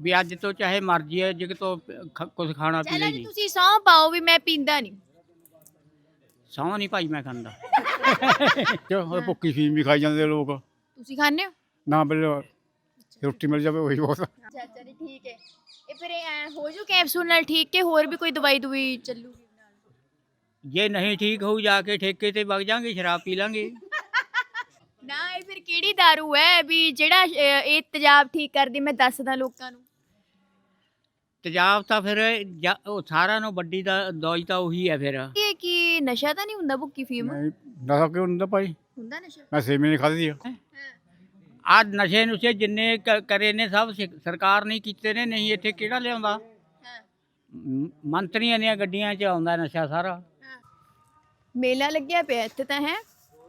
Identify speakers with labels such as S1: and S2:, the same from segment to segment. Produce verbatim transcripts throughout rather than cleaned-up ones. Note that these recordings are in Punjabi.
S1: ਵੀ ਅੱਜ ਤੋਂ ਚਾਹੇ ਮਰਜ਼ੀ ਹੈ ਜਿਗ ਤੋਂ ਖ- ਕੁਛ ਖਾਣਾ ਪੀਣਾ
S2: ਚਲੋ
S1: ਹੀ
S2: ਜੀ
S1: ਨਹੀਂ।
S2: ਤੁਸੀਂ ਸਹੁੰ ਪਾਓ ਵੀ ਮੈਂ ਪੀਂਦਾ ਨਹੀਂ।
S1: ਸਹੁੰ ਨਹੀਂ ਭਾਈ ਮੈਂ ਖਾਂਦਾ। ਕਿਉਂ ਭੁੱਕੀ ਫੀਮ ਵੀ ਖਾਈ ਜਾਂਦੇ ਲੋਕ।
S2: ਤੁਸੀਂ ਖਾਂਦੇ ਹੋ?
S1: ਨਾ ਬਿਲ ਰੋਟੀ ਮਿਲ ਜਾਵੇ ਉਹੀ ਬਹੁਤ।
S2: ਅੱਛਾ ਅੱਛਾ ਜੀ ਠੀਕ ਹੈ। ਇਹ ਫਿਰ ਐ ਹੋ ਜੂ ਕੈਪਸੂਲ ਨਾਲ ਠੀਕ ਕਿ ਹੋਰ ਵੀ ਕੋਈ ਦਵਾਈ ਦਵਾਈ ਚੱਲੂਗੀ ਨਾਲ?
S1: ਜੇ ਨਹੀਂ ਠੀਕ ਹੋਊ ਜਾ ਕੇ ਠੇਕੇ ਤੇ ਵਗ ਜਾਾਂਗੇ, ਸ਼ਰਾਬ ਪੀ ਲਾਂਗੇ।
S2: ਨਾ ਇਹ ਫਿਰ ਕਿਹੜੀ ਦਾਰੂ ਹੈ ਵੀ ਜਿਹੜਾ ਅਹ, ਇਹ ਤੇਜ਼ਾਬ ਠੀਕ ਕਰਦੀ? ਮੈਂ ਦੱਸਦਾ ਲੋਕਾਂ ਨੂੰ।
S1: ਤੇਜ਼ਾਬ ਤਾਂ ਫਿਰ ਜਾ- ਉਹ ਸਾਰਿਆਂ ਨੂੰ ਵੱਡੀ ਦਾ ਦਵਾਈ ਤਾਂ ਉਹੀ ਹੈ ਫਿਰ।
S2: ਇਹ ਕੀ ਨਸ਼ਾ ਤਾਂ ਨਹੀਂ ਹੁੰਦਾ ਭੁੱਕੀ ਫੀਮ?
S1: ਨਹੀਂ ਨਸ਼ਾ ਕਿਉਂ ਹੁੰਦਾ ਭਾਈ?
S2: ਹੁੰਦਾ ਨਸ਼ਾ?
S1: ਮੈਂ ਸੇਮੀ ਨਹੀਂ ਖਾਧੀ ਆ।
S2: ਹਾਂ
S1: ਆ ਨਸ਼ੇ ਨੁਸ਼ੇ ਜਿੰਨੇ ਕ- ਕਰੇ ਨੇ ਸਭ ਸਿ- ਸਰਕਾਰ ਨੇ ਕੀਤੇ ਨੇ, ਨਹੀਂ ਇੱਥੇ ਕਿਹੜਾ ਲਿਆਉਂਦਾ।
S2: ਹਾਂ
S1: ਮ- ਮੰਤਰੀਆਂ ਦੀਆਂ ਗੱਡੀਆਂ 'ਚ ਆਉਂਦਾ ਨਸ਼ਾ ਸਾਰਾ।
S2: ਹਾਂ। ਮੇਲਾ ਲੱਗਿਆ ਪਿਆ ਇੱਥੇ ਤਾਂ ਹੈ।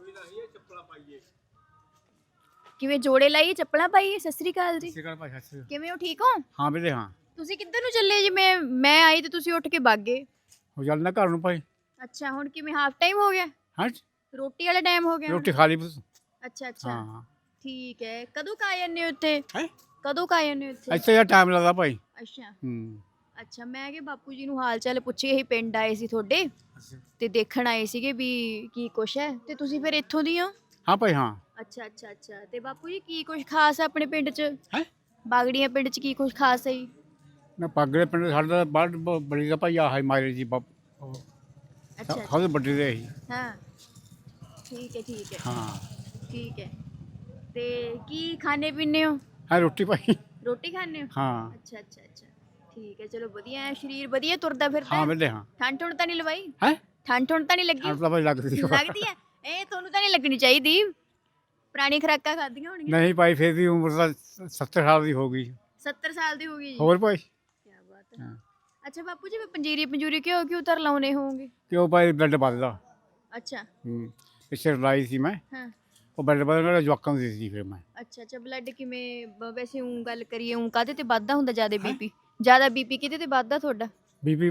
S2: ਕਿਵੇਂ ਜੋੜੇ ਲਾਈਏ ਚੱਪਲਾਂ ਪਾਈਏ? ਸਤਿ ਸ੍ਰੀ ਅਕਾਲ ਜੀ। ਕਿਵੇਂ ਹੋ? ਠੀਕ ਹੋ?
S1: ਹਾਂ ਵੀਰੇ ਹਾਂ।
S2: ਤੁਸੀਂ ਕਿੱਧਰ ਨੂੰ ਚੱਲੇ ਜੀ? ਮੈਂ ਮੈਂ ਆਈ ਤੇ ਤੁਸੀਂ ਉੱਠ ਕੇ ਭੱਗ ਗਏ।
S1: ਹੋ ਚੱਲਣਾ ਘਰ ਨੂੰ ਭਾਈ।
S2: ਅੱਛਾ ਹੁਣ ਕਿਵੇਂ ਹਾਫ ਟਾਈਮ ਹੋ ਗਿਆ?
S1: ਹਾਂ
S2: ਰੋਟੀ ਵਾਲਾ ਟਾਈਮ ਹੋ ਗਿਆ ਹੁਣ?
S1: ਰੋਟੀ ਖਾ ਲਈ ਬਸ।
S2: ਅੱਛਾ ਅੱਛਾ
S1: ਹਾਂ
S2: ਠੀਕ ਹੈ। ਕਦੋਂ ਕਾ ਜਾਂਦੇ ਹੋ ਉੱਥੇ?
S1: ਹੈ
S2: ਕਦੋਂ ਕਾ ਜਾਂਦੇ ਹੋ ਉੱਥੇ?
S1: ਇੱਥੇ ਯਾਰ ਟਾਈਮ ਲੱਗਦਾ ਭਾਈ।
S2: ਅੱਛਾ
S1: ਹੂੰ
S2: ਅੱਛਾ। ਮੈਂ ਕਿ ਬਾਪੂ ਜੀ ਨੂੰ ਹਾਲ ਚਾਲ ਪੁੱਛੇ, ਇਹੀ ਪਿੰਡ ਆਏ ਸੀ ਤੁਹਾਡੇ ਤੇ ਦੇਖਣ ਆਏ ਸੀਗੇ ਵੀ ਕੀ ਕੁਛ ਹੈ, ਤੇ ਤੁਸੀਂ ਫਿਰ ਇੱਥੋਂ ਦੀ ਹੋ?
S1: ਹਾਂ ਭਾਈ ਹਾਂ।
S2: ਅੱਛਾ ਅੱਛਾ ਅੱਛਾ। ਤੇ ਬਾਪੂ ਜੀ ਕੀ ਕੁਛ ਖਾਸ ਹੈ ਆਪਣੇ ਪਿੰਡ 'ਚ?
S1: ਹੈ
S2: ਬਾਗੜੀਆਂ ਪਿੰਡ 'ਚ ਕੀ ਕੁਛ ਖਾਸ ਹੈ ਜੀ?
S1: ਨਾ ਪਾਗੜੇ ਪਿੰਡ ਸਾਡਾ ਬਾਹਰ ਬ- ਬੜੀ ਦਾ ਭਾਈ ਆਹ ਹੈ ਮਾਰੇ ਜੀ ਬਾਪ
S2: ਅੱਛਾ ਅੱਛਾ।
S1: ਸਭ ਵੱਡੇ ਦੇ ਹੀ।
S2: ਹਾਂ ਠੀਕ ਹੈ ਠੀਕ ਹੈ
S1: ਹਾਂ
S2: ਠੀਕ ਹੈ। ਤੇ ਕੀ ਖਾਣੇ ਪੀਣੇ ਹੋ?
S1: ਹਾਂ ਰੋਟੀ ਭਾਈ।
S2: ਰੋਟੀ ਖਾਣੇ ਹੋ?
S1: ਹਾਂ
S2: ਅੱਛਾ ਅੱਛਾ ਅੱਛਾ ਠੀਕ ਹੈ। ਚਲੋ ਵਧੀਆ ਹੈ, ਸਰੀਰ ਵਧੀਆ ਤੁਰਦਾ ਫਿਰਦਾ
S1: ਹਾਂ
S2: ਹੈ?
S1: ਵੀਰੇ ਹਾਂ।
S2: ਠੰਡ ਠੁੰਡ ਤਾਂ ਨਹੀਂ ਲਵਾਈ?
S1: ਹੈ
S2: ਠੰਡ ਠੁੰਡ ਤਾਂ ਨਹੀਂ ਲੱਗੀ?
S1: ਠੰਡ ਤਾਂ ਭਾਈ ਲੱਗਦੀ ਆ।
S2: ਲੱਗਦੀ ਹੈ? ਇਹ ਤੁਹਾਨੂੰ ਤਾਂ ਨਹੀਂ ਲੱਗਣੀ ਚਾਹੀਦੀ, ਪੁਰਾਣੀ ਖੁਰਾਕਾਂ ਖਾਧੀਆਂ ਹੋਣਗੀਆਂ।
S1: ਨਹੀਂ ਭਾਈ ਫਿਰ ਵੀ ਉਮਰ ਤਾਂ ਸੱਤਰ ਸਾਲ ਦੀ ਹੋ ਗਈ।
S2: ਸੱਤਰ ਸਾਲ ਦੀ ਹੋ ਗਈ ਜੀ?
S1: ਹੋਰ ਭਾਈ
S2: ਕੀ ਬਾਤ ਹੈ।
S1: ਹਾਂ।
S2: ਅੱਛਾ ਬਾਪੂ ਜੀ, ਮੈਂ ਪੰਜੀਰੀ ਪੰਜੂਰੀ ਕਿਉਂ ਕਿਉਂ ਤਰ ਲਾਉਣੇ ਹੋਵੋਗੇ?
S1: ਕਿਉਂ ਭਾਈ ਬਲੱਡ ਵੱਧਦਾ।
S2: ਅੱਛਾ
S1: ਹੂੰ ਪਿੱਛੇ ਲਾਈ ਸੀ ਮੈਂ,
S2: ਹਾਂ
S1: ਉਹ ਬਲੱਡ ਵੱਧਦਾ ਜਵਾਕਾਂ ਨੂੰ ਦਿੱਤੀ ਸੀ ਫਿਰ ਮੈਂ।
S2: ਅੱਛਾ ਅੱਛਾ। ਬਲੱਡ ਕਿਵੇਂ ਬ- ਵੈਸੇ ਉਂ ਗੱਲ ਕਰੀਏ ਉਂ ਕਾਹਦੇ ਤੇ ਵੱਧਦਾ ਹੁੰਦਾ ਜ਼ਿਆਦਾ ਬੀਪੀ? ਜ਼ਿਆਦਾ ਬੀਪੀ ਕਿਹਦੇ ਤੇ ਵੱਧਦਾ ਤੁਹਾਡਾ?
S1: ਬੀਬੀ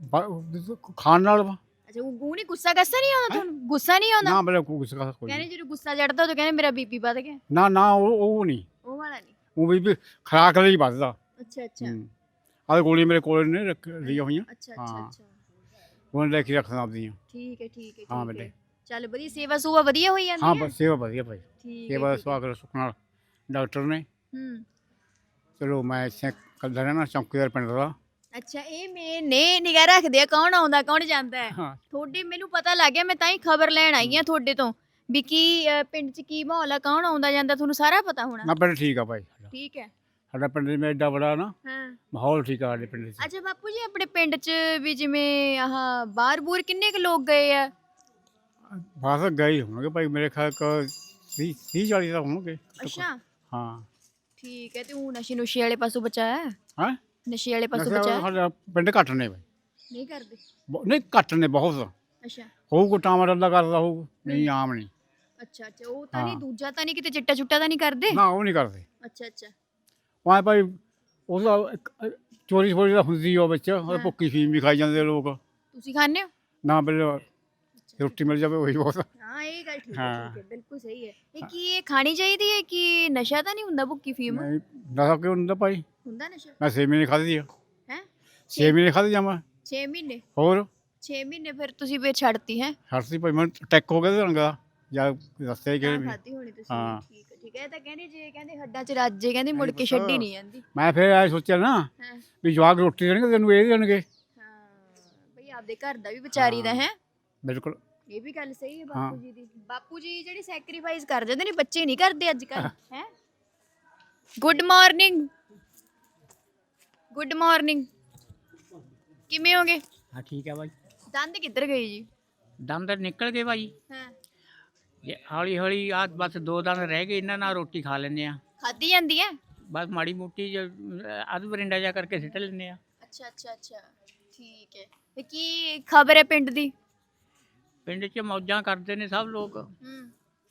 S1: ਖਾਣ ਨਾਲ ਵਾ।
S2: ਅੱਛਾ ਉਹ ਗੂ ਨਹੀਂ, ਗੁੱਸਾ ਗੱਸਾ ਨਹੀਂ ਆਉਂਦਾ ਤੁਹਾਨੂੰ? ਗੁੱਸਾ ਨਹੀਂ ਆਉਂਦਾ?
S1: ਨਾ ਬਲੇ ਕੁਛ ਕਾ ਕੋਈ
S2: ਕਹਿੰਦੇ
S1: ਨਹੀਂ।
S2: ਜਦੋਂ ਗੁੱਸਾ ਚੜਦਾ ਉਦੋਂ ਕਹਿੰਦੇ ਮੇਰਾ ਬੀਪੀ ਵੱਧ ਗਿਆ।
S1: ਨਾ ਨਾ ਉਹ ਉਹ ਨਹੀਂ,
S2: ਉਹ ਵਾਲਾ ਨਹੀਂ?
S1: ਉਹ ਬੀਬੀ ਖਰਾਕ ਲਈ ਵੱਧਦਾ।
S2: ਅੱਛਾ ਅੱਛਾ
S1: ਹੂੰ ਆਹ ਗੋਲੀ ਮੇਰੇ ਕੋਲ ਨੇ ਰੱਖ ਲਈਆਂ ਹੋਈਆਂ,
S2: ਅੱਛਾ ਅੱਛਾ
S1: ਹਾਂ।
S2: ਅੱਛਾ
S1: ਉਹਨਾਂ ਲੈ ਕੇ ਰੱਖਦਾ ਆਪਦੀਆਂ।
S2: ਠੀਕ ਹੈ ਠੀਕ ਹੈ
S1: ਹਾਂ
S2: ਠੀਕ
S1: ਬੇਟੇ।
S2: ਹੈ। ਚੱਲ ਵਧੀਆ, ਸੇਵਾ ਸੂਵਾ ਵਧੀਆ ਹੋਈ ਜਾਂਦੀ
S1: ਹਾਂ
S2: ਹੈ?
S1: ਬਸ ਸੇਵਾ ਵਧੀਆ ਭਾਈ।
S2: ਠੀਕ
S1: ਸੇਵਾ ਦਾ
S2: ਹੈ ਠੀਕ ਹੈ।
S1: ਸਵਾਗਤ ਸੁੱਖ ਨਾਲ ਡਾਕਟਰ ਨੇ।
S2: ਹੂੰ
S1: ਚਲੋ ਮੈਂ ਇੱਥੇ ਕੱਲ੍ਹ ਰਹਿਣਾ ਚੌਂਕੀਦਾਰ ਪਿੰਡ ਦਾ।
S2: ਅੱਛਾ ਇਹ ਮੈਂ ਨੇ ਨਿਗਾਹ ਰੱਖਦੇ ਆ ਕੌਣ ਆਉਂਦਾ ਕੌਣ ਜਾਂਦਾ ਹੈ।
S1: ਹਾਂ
S2: ਤੁਹਾਡੀ ਮੈਨੂੰ ਪਤਾ ਲੱਗ ਗਿਆ, ਮੈਂ ਤਾਂ ਹੀ ਖਬਰ ਲੈਣ ਆਈ ਆ ਤੁਹਾਡੇ ਤੋਂ ਵੀ ਕੀ ਅ, ਪਿੰਡ 'ਚ ਕੀ ਮਾਹੌਲ ਆ, ਕੌਣ ਆਉਂਦਾ ਜਾਂਦਾ, ਤੁਹਾਨੂੰ ਸਾਰਾ ਪਤਾ ਹੋਣਾ।
S1: ਨਾ ਪਿੰਡ ਠੀਕ ਆ ਭਾਈ ਸਾਡਾ।
S2: ਠੀਕ ਹੈ
S1: ਸਾਡਾ ਪਿੰਡ ਜਿਵੇਂ ਐਡਾ ਬੜਾ ਨਾ
S2: ਹਾਂ।
S1: ਮਾਹੌਲ ਠੀਕ ਆ ਸਾਡੇ ਪਿੰਡ 'ਚ।
S2: ਅੱਛਾ ਬਾਪੂ ਜੀ, ਆਪਣੇ ਪਿੰਡ 'ਚ ਵੀ ਜਿਵੇਂ ਆਹ ਬਾਹਰ ਬੂਰ ਕਿੰਨੇ ਕੁ ਲੋਕ ਗਏ ਆ?
S1: ਬਸ ਗਏ ਹੀ ਹੋਣਗੇ ਭਾਈ ਮੇਰੇ ਖਿਆਲ ਕ ਵੀਹ ਵੀਹ ਚਾਲੀ ਤਾਂ ਹੋਣਗੇ।
S2: ਅੱਛਾ
S1: ਹਾਂ
S2: ਠੀਕ ਹੈ। ਤੇ ਉਹ ਨਸ਼ੇ ਨੁਸ਼ੇ ਵਾਲੇ ਪਾਸੋਂ ਬਚਾਇਆ?
S1: ਹਾਂ
S2: ਨਸ਼ੇ ਵਾਲੇ ਪਾਸੋਂ
S1: ਨਸ਼ਾ
S2: ਬਚਾਇਆ?
S1: ਸਾਡਾ ਪਿੰਡ ਘੱਟ ਨੇ ਭਾਈ।
S2: ਨਹੀਂ ਕਰਦੇ?
S1: ਬਹੁ- ਨਹੀਂ ਘੱਟ ਨੇ ਬਹੁਤ।
S2: ਅੱਛਾ
S1: ਹੋਊ ਕੋ ਟਾਮਾ ਦਾ ਕਰਦਾ ਹੋਊ, ਨਹੀਂ ਆਮ ਨਹੀਂ।
S2: ਅੱਛਾ ਅੱਛਾ। ਉਹ ਤਾਂ ਨਹੀਂ,
S1: ਹਾਂ।
S2: ਦੂਜਾ ਤਾਂ ਨਹੀਂ ਕਿਤੇ ਚਿੱਟਾ ਚੁੱਟਾ ਤਾਂ ਨਹੀਂ ਕਰਦੇ?
S1: ਨਾ ਉਹ ਨਹੀਂ ਕਰਦੇ।
S2: ਅੱਛਾ ਅੱਛਾ
S1: ਉਹ ਐਂ ਭਾਈ ਉਹਦਾ ਇੱਕ, ਅ, ਚੋਰੀ ਛੋਰੀ ਦਾ ਹੁੰਦੀ ਉਹ ਵਿੱਚ ਉਹ ਭੁੱਕੀ ਫੀਮ ਵੀ ਖਾਈ ਜਾਂਦੇ ਲੋਕ।
S2: ਤੁਸੀਂ ਖਾਂਦੇ ਹੋ?
S1: ਨਾ ਬਿਲ ਰੋਟੀ ਮਿਲ ਜਾਵੇ ਉਹੀ ਬਹੁਤ।
S2: ਹਾਂ ਇਹ ਗੱਲ ਠੀਕ ਹੈ
S1: ਹਾਂ।
S2: ਠੀਕ ਹੈ, ਬਿਲਕੁਲ ਸਹੀ ਹੈ। ਇਹ ਕੀ ਇਹ ਖਾਣੀ ਚਾਹੀਦੀ ਹੈ ਕਿ ਨਸ਼ਾ ਤਾਂ ਨਹੀਂ ਹੁੰਦਾ ਭੁੱਕੀ ਫੀਮ?
S1: ਨਹੀਂ ਨਸ਼ਾ ਕਿਉਂ ਹੁੰਦਾ ਭਾਈ?
S2: ਹੁੰਦਾ ਨਸ਼ਾ?
S1: ਮੈਂ ਛੇ ਮਹੀਨੇ ਖਾਧੀ ਆ।
S2: ਹੈ
S1: ਛੇ ਮਹੀਨੇ ਖਾਧੀ ਜਾਵਾਂ
S2: ਛੇ ਮਹੀਨੇ?
S1: ਹੋਰ
S2: ਛੇ ਮਹੀਨੇ ਫਿਰ ਤੁਸੀਂ ਫਿਰ ਛੱਡਤੀ ਹੈ?
S1: ਹਰਸੀ ਭਾਈ ਮੈਂ ਟੈਕ ਹੋ ਗਿਆ ਤੇ ਰੰਗ ਦਾ ਜਾਂ ਦੱਸਿਆ ਕਿ
S2: ਖਾਦੀ ਹੋਣੀ ਤੁਸੀਂ?
S1: ਹਾਂ।
S2: ਠੀਕ ਹੈ ਠੀਕ ਹੈ। ਇਹ ਤਾਂ ਕਹਿੰਦੇ ਜੇ ਕਹਿੰਦੇ ਹੱਡਾਂ 'ਚ ਰਾਜੇ ਕਹਿੰਦੇ ਮੁੜ ਕੇ ਛੱਡੀ ਨਹੀਂ ਜਾਂਦੀ।
S1: ਮੈਂ ਫਿਰ ਐ ਸੋਚਿਆ ਨਾ
S2: ਹਾਂ
S1: ਵੀ ਜਵਾਕ ਰੋਟੀ ਦੇਣਗੇ ਤੈਨੂੰ ਇਹ ਦੇਣਗੇ।
S2: ਹਾਂ ਬਈ ਆਪਦੇ ਘਰ ਦਾ ਵੀ ਵਿਚਾਰੀ ਦਾ ਹੈ।
S1: ਬਿਲਕੁਲ
S2: ਇਹ ਵੀ ਗੱਲ ਸਹੀ ਹੈ
S1: ਹਾਂ।
S2: ਬਾਪੂ ਜੀ ਦੀ। ਬਾਪੂ ਜੀ ਜਿਹੜੀ ਸੈਕਰੀਫਾਈਸ ਕਰ ਜਾਂਦੇ ਨੇ, ਬੱਚੇ ਨਹੀਂ ਕਰਦੇ ਅੱਜ ਕੱਲ ਹੈ। Good morning good morning. ਕਿਵੇਂ ਹੋਗੇ?
S1: ਹਾਂ ਠੀਕ ਹੈ ਭਾਈ।
S2: ਦੰਦ ਕਿੱਧਰ ਗਏ ਜੀ?
S1: ਦੰਦ ਨਿਕਲ ਗਏ ਭਾਈ।
S2: ਹਾਂ
S1: ਜੇ ਹੌਲੀ ਹੌਲੀ ਆ ਬਸ ਦੋ ਦੰਦ ਰਹਿ ਗਏ, ਇਹਨਾਂ ਨਾਲ ਰੋਟੀ ਖਾ ਲੈਂਦੇ ਆ।
S2: ਖਾਧੀ ਜਾਂਦੀ ਹੈ?
S1: ਬਸ ਮਾੜੀ ਮੋਟੀ ਅੱਧ ਬਰਿੰਡਾ ਜਾ ਕਰਕੇ ਸਿੱਟ ਲੈਂਦੇ ਆ।
S2: ਅੱਛਾ ਅੱਛਾ ਅੱਛਾ ਠੀਕ ਹੈ। ਤੇ ਕੀ ਖਬਰ ਹੈ ਪਿੰਡ ਦੀ?
S1: ਪਿੰਡ 'ਚ ਮੌਜਾਂ ਕਰਦੇ ਨੇ ਸਭ ਲੋਕ,
S2: ਹੂੰ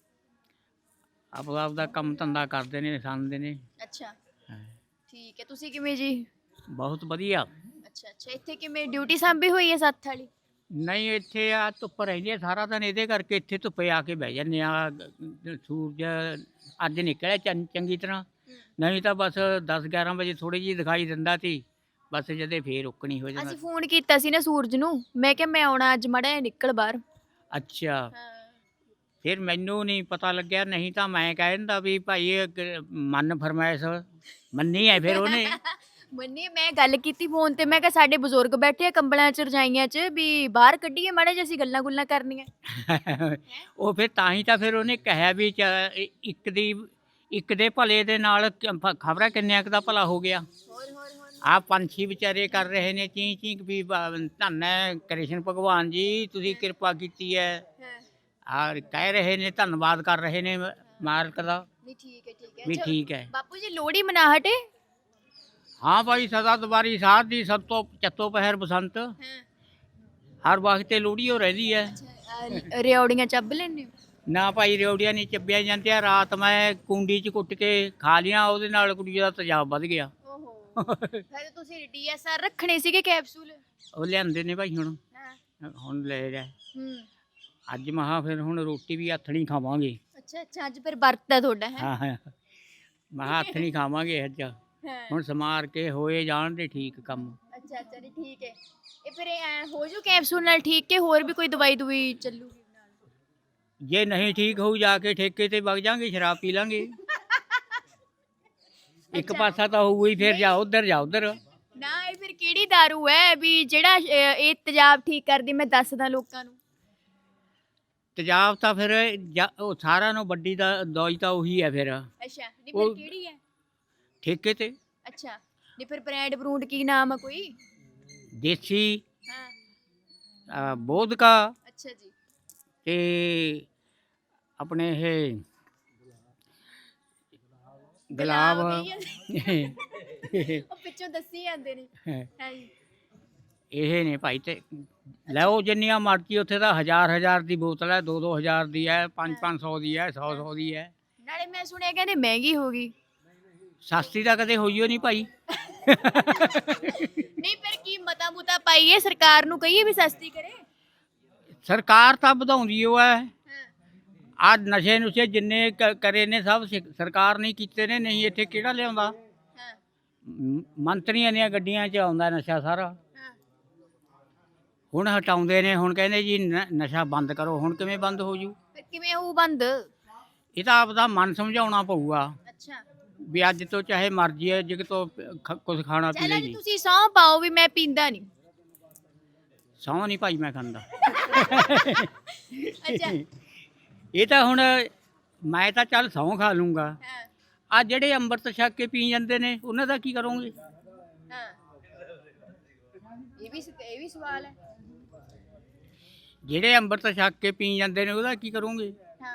S1: ਆਪਦਾ ਆਪਦਾ ਕੰਮ ਧੰਦਾ ਕਰਦੇ ਨੇ, ਖਾਂਦੇ ਨੇ।
S2: ਅੱਛਾ
S1: ਹਾਂ,
S2: ਠੀਕ ਹੈ। ਤੁਸੀਂ ਕਿਵੇਂ ਜੀ?
S1: ਬਹੁਤ ਵਧੀਆ।
S2: ਅੱਛਾ ਅੱਛਾ। ਇੱਥੇ ਕਿਵੇਂ ਡਿਊਟੀ ਸਾਂਭੀ ਹੋਈ ਹੈ ਸੱਤ ਵਾਲੀ?
S1: ਨਹੀਂ ਇੱਥੇ ਆ ਧੁੱਪ ਰਹਿੰਦੀ ਆ ਸਾਰਾ ਦਿਨ, ਇਹਦੇ ਕਰਕੇ ਇੱਥੇ ਧੁੱਪੇ ਆ ਕੇ ਬਹਿ ਜਾਂਦੇ ਆ। ਸੂਰਜ ਅੱਜ ਨਿਕਲਿਆ ਚੰ- ਚੰਗੀ ਤਰ੍ਹਾਂ,
S3: ਨਹੀਂ ਤਾਂ ਬਸ ਦਸ ਗਿਆਰਾਂ ਵਜੇ ਥੋੜੀ ਜਿਹੀ ਦਿਖਾਈ ਦਿੰਦਾ ਸੀ, ਬਸ ਜਦੇ ਫੇਰ ਉੱਕਣੀ ਹੋ ਜਾਂਦਾ।
S2: ਅਸੀਂ ਫੋਨ ਕੀਤਾ ਸੀ ਨਾ ਸੂਰਜ ਨੂੰ, ਮੈਂ ਕਿਹਾ ਮੈਂ ਆਉਣਾ ਅੱਜ ਮਾੜਾ ਜਿਹਾ ਨਿਕਲ ਬਾਹਰ।
S3: ਅੱਛਾ,
S2: ਹਾਂ
S3: ਫਿਰ ਮੈਨੂੰ ਨਹੀਂ ਪਤਾ ਲੱਗਿਆ, ਨਹੀਂ ਤਾਂ ਮੈਂ ਕਹਿ ਦਿੰਦਾ ਵੀ ਭਾਈ ਇਹ ਕ- ਮਨ ਫਰਮਾਇਸ਼ ਮੰਨੀ ਹੈ ਫਿਰ ਉਹਨੇ।
S2: ਮੰਨੇ ਮੈਂ ਗੱਲ ਕੀਤੀ ਫੋਨ ਤੇ, ਮੈਂ ਕਿਹਾ ਸਾਡੇ ਬਜ਼ੁਰਗ ਬੈਠੇ ਆ ਕੰਬਲਾਂ ਚ ਰਜਾਈਆਂ ਚ, ਵੀ ਬਾਹਰ ਕੱਢੀਏ ਮਾੜਾ ਜਿਹਾ ਅਸੀਂ ਗੱਲਾਂ ਗੁੱਲਾਂ ਕਰਨੀਆਂ।
S3: ਉਹ ਫਿਰ ਤਾਂ ਹੀ ਤਾਂ ਫਿਰ ਉਹਨੇ ਕਿਹਾ ਵੀ ਚ- ਇ- ਇੱਕ ਦੀ ਇੱਕ ਦੇ ਭਲੇ ਦੇ ਨਾਲ ਖਬਰਾਂ ਕਿੰਨਿਆਂ ਕੁ ਦਾ ਭਲਾ ਹੋ ਗਿਆ।
S2: ਹੋਰ ਹੋਰ ਹੋਰ
S3: ਆ ਪੰਛੀ ਵਿਚਾਰੇ ਕਰ ਰਹੇ ਨੇ ਚੀਂ ਚੀਂ ਵੀ ਬ- ਧੰਨ ਹੈ ਕ੍ਰਿਸ਼ਨ ਭਗਵਾਨ ਜੀ, ਤੁਸੀਂ ਕਿਰਪਾ ਕੀਤੀ ਹੈ।
S2: ਹਾਂ
S3: ਆ ਕਹਿ ਰਹੇ ਨੇ, ਧੰਨਵਾਦ ਕਰ ਰਹੇ ਨੇ ਮਾਲਕ ਦਾ
S2: ਨਹੀਂ ਠੀਕ ਹੈ ਠੀਕ ਹੈ।
S3: ਵੀ
S2: ਅੱਛਾ,
S3: ਠੀਕ ਹੈ।
S2: ਬਾਪੂ ਜੀ ਲੋਹੜੀ ਮਨਾ ਹਟੇ।
S3: ਹਾਂ ਭਾਈ, ਸਦਾ ਦੁਬਾਰੀ ਸਾਧ ਦੀ ਸਭ ਤੋਂ ਚੱਤੋ ਪਹਿਰ ਬਸੰਤ,
S2: ਹਾਂ
S3: ਹਰ ਵਕਤ ਲੋਹੜੀ ਹੋ ਰਹਿੰਦੀ ਹੈ।
S2: ਅੱਛਾ ਰਿਓੜੀਆਂ ਚੱਬ ਲੈਣੇ।
S3: ਨਾ ਭਾਈ ਰਿਓੜੀਆਂ ਨਹੀਂ ਚੱਬੀਆਂ ਜਾਂਦੀਆਂ। ਰਾਤ ਮੈਂ ਕੁੰਡੀ 'ਚ ਕੁੱਟ ਕੇ ਖਾ ਲੀਆਂ, ਉਹਦੇ ਨਾਲ ਕੁੜੀ ਦਾ ਤੇਜ਼ਾਬ ਵੱਧ ਗਿਆ।
S2: ਓਹੋ ਫਿਰ ਤੁਸੀਂ ਡੀਐਸਆਰ ਰੱਖਣੇ ਸੀਗੇ ਕੈਪਸੂਲ।
S3: ਉਹ ਲਿਆਂਦੇ ਨੇ ਭਾਈ, ਹੁਣ
S2: ਹਾਂ
S3: ਹੁਣ ਲੈ ਜਾ।
S2: ਹੂੰ
S3: ਅੱਜ ਮਹਾ ਫਿਰ ਹੁਣ ਰੋਟੀ ਵੀ ਹੱਥ ਨਹੀਂ ਖਾਵਾਂਗੇ।
S2: ਅੱਛਾ ਅੱਛਾ ਅੱਜ ਫਿਰ ਵਰਤ ਹੈ ਤੁਹਾਡਾ ਹੈ।
S3: ਹਾਂ ਹਾਂ, ਮਹਾ ਹੱਥ ਨਹੀਂ ਖਾਵਾਂਗੇ ਅੱਜ,
S2: ਹਾਂ
S3: ਹੁਣ ਸਮਾਰ ਕੇ ਹੋਏ ਜਾਣ ਦੇ ਠੀਕ ਕੰਮ।
S2: ਅੱਛਾ ਅੱਛਾ ਨਹੀਂ ਠੀਕ ਹੈ। ਇਹ ਫਿਰ ਐ ਹੋ ਜੂ ਕੈਪਸੂਲ ਨਾਲ ਠੀਕ, ਕਿ ਹੋਰ ਵੀ ਕੋਈ ਦਵਾਈ ਦਵਾਈ ਚੱਲੂਗੀ ਨਾਲ।
S3: ਜੇ ਨਹੀਂ ਠੀਕ ਹੋਊ ਜਾ ਕੇ ਠੇਕੇ ਤੇ ਵਗ ਜਾਾਂਗੇ, ਸ਼ਰਾਬ ਪੀ ਲਾਂਗੇ। ਇੱਕ ਪਾਸਾ ਤਾਂ ਹੋਊ ਹੀ, ਫਿਰ ਜਾ ਉਧਰ ਜਾ ਉਧਰ।
S2: ਨਾ ਇਹ ਫਿਰ ਕਿਹੜੀ ਦਾਰੂ ਹੈ ਵੀ ਜਿਹੜਾ ਅ, ਇਹ ਤੇਜ਼ਾਬ ਠੀਕ ਕਰਦੀ, ਮੈਂ ਦੱਸਦਾ ਲੋਕਾਂ ਨੂੰ।
S3: ਤੇਜ਼ਾਬ ਤਾਂ ਫਿਰ ਜਾ- ਉਹ ਸਾਰਿਆਂ ਨੂੰ ਵੱਡੀ ਦਾ ਦਵਾਈ ਤਾਂ ਉਹੀ ਹੈ ਫਿਰ,
S2: ਅੱਛਾ ਨਹੀਂ ਫਿਰ
S3: ਉਹ-
S2: ਕਿਹੜੀ ਹੈ।
S3: ਠੇਕੇ ਤੇ
S2: ਅੱਛਾ ਨਹੀਂ ਫਿਰ ਬ੍ਰਾਂਡ ਬਰੂੰਡ ਕੀ ਨਾਮ ਆ ਕੋਈ।
S3: ਦੇਸੀ
S2: ਹਾਂ
S3: ਅ, ਬੋਧਕਾ
S2: ਅੱਛਾ ਜੀ
S3: ਤੇ ਆਪਣੇ ਇਹ ਗੁਲਾਬ।
S2: ਕਹੀ ਜਾਂਦੇ। ਉਹ ਪਿੱਛੋਂ ਦੱਸੀ ਜਾਂਦੇ ਨੇ। ਹਾਂ ਜੀ
S3: ਇਹ ਨੇ ਭਾਈ, ਤੇ ਲਓ ਜਿੰਨੀਆਂ ਮਰਜ਼ੀ। ਉੱਥੇ ਤਾਂ ਹਜ਼ਾਰ ਹਜ਼ਾਰ ਦੀ ਬੋਤਲ ਹੈ, ਦੋ ਦੋ ਹਜ਼ਾਰ ਦੀ ਹੈ, ਪੰਜ ਪੰਜ ਸੌ ਦੀ ਹੈ, ਸੌ ਸੌ ਦੀ ਹੈ।
S2: ਨਾਲੇ ਮੈਂ ਸੁਣਿਆ ਕਹਿੰਦੇ ਮਹਿੰਗੀ ਹੋ ਗਈ।
S3: ਸਸਤੀ ਤਾਂ ਕਦੇ ਹੋਈ ਓ ਨਹੀਂ ਭਾਈ।
S2: ਨਹੀਂ ਫਿਰ ਕੀ ਮਤਾ ਮੁਤਾ ਪਾਈਏ ਸਰਕਾਰ ਨੂੰ, ਕਹੀਏ ਵੀ ਸਸਤੀ ਕਰੇ।
S3: ਸਰਕਾਰ ਤਾਂ ਵਧਾਉਂਦੀ ਓ ਹੈ।
S2: ਹਾਂ
S3: ਆ ਨਸ਼ੇ ਨੁਸ਼ੇ ਜਿੰਨੇ ਕ- ਕਰੇ ਨੇ ਸਭ ਸਿ- ਸਰਕਾਰ ਨੇ ਕੀਤੇ ਨੇ, ਨਹੀਂ ਇੱਥੇ ਕਿਹੜਾ ਲਿਆਉਂਦਾ।
S2: ਹਾਂ
S3: ਮ- ਮੰਤਰੀਆਂ ਦੀਆਂ ਗੱਡੀਆਂ 'ਚ ਆਉਂਦਾ ਨਸ਼ਾ ਸਾਰਾ।
S2: ਹਾਂ
S3: ਹੁਣ ਹਟਾਉਂਦੇ ਨੇ, ਹੁਣ ਕਹਿੰਦੇ ਜੀ ਨ- ਨਸ਼ਾ ਬੰਦ ਕਰੋ। ਹੁਣ ਕਿਵੇਂ ਬੰਦ ਹੋ ਜੂ?
S2: ਫਿਰ ਕਿਵੇਂ ਹੋਊ ਬੰਦ।
S3: ਇਹ ਤਾਂ ਆਪਦਾ ਮਨ ਸਮਝਾਉਣਾ ਪਊਗਾ
S2: ਅੱਛਾ
S3: ਵੀ ਅੱਜ ਤੋਂ ਚਾਹੇ ਮਰਜ਼ੀ ਹੈ, ਜਿਗ ਤੋਂ ਕੁਝ ਖਾਣਾ
S2: ਚੱਲ
S3: ਪੀਣਾ
S2: ਅੱਜ
S3: ਨਹੀਂ।
S2: ਤੁਸੀਂ ਸਹੁੰ ਪਾਓ ਵੀ ਮੈਂ ਪੀਂਦਾ ਨਹੀਂ।
S3: ਸਹੁੰ ਨਹੀਂ ਭਾਈ ਮੈਂ ਖਾਂਦਾ।
S2: ਅੱਛਾ
S3: ਇਹ ਤਾਂ ਹੁਣ ਮੈਂ ਤਾਂ ਚੱਲ ਸਹੁੰ ਖਾ ਲੂੰਗਾ।
S2: ਹਾਂ
S3: ਆ ਜਿਹੜੇ ਅੰਮ੍ਰਿਤ ਛਕ ਕੇ ਪੀ ਜਾਂਦੇ ਨੇ, ਉਹਨਾਂ ਦਾ ਕੀ ਕਰੋਗੇ?
S2: ਹਾਂ ਇਹ ਵੀ ਸ- ਇਹ ਵੀ ਸਵਾਲ ਹੈ।
S3: ਜਿਹੜੇ ਅੰਮ੍ਰਿਤ ਛਕ ਕੇ ਪੀ ਜਾਂਦੇ ਨੇ, ਉਹਦਾ ਕੀ ਕਰੋਗੇ?
S2: ਹਾਂ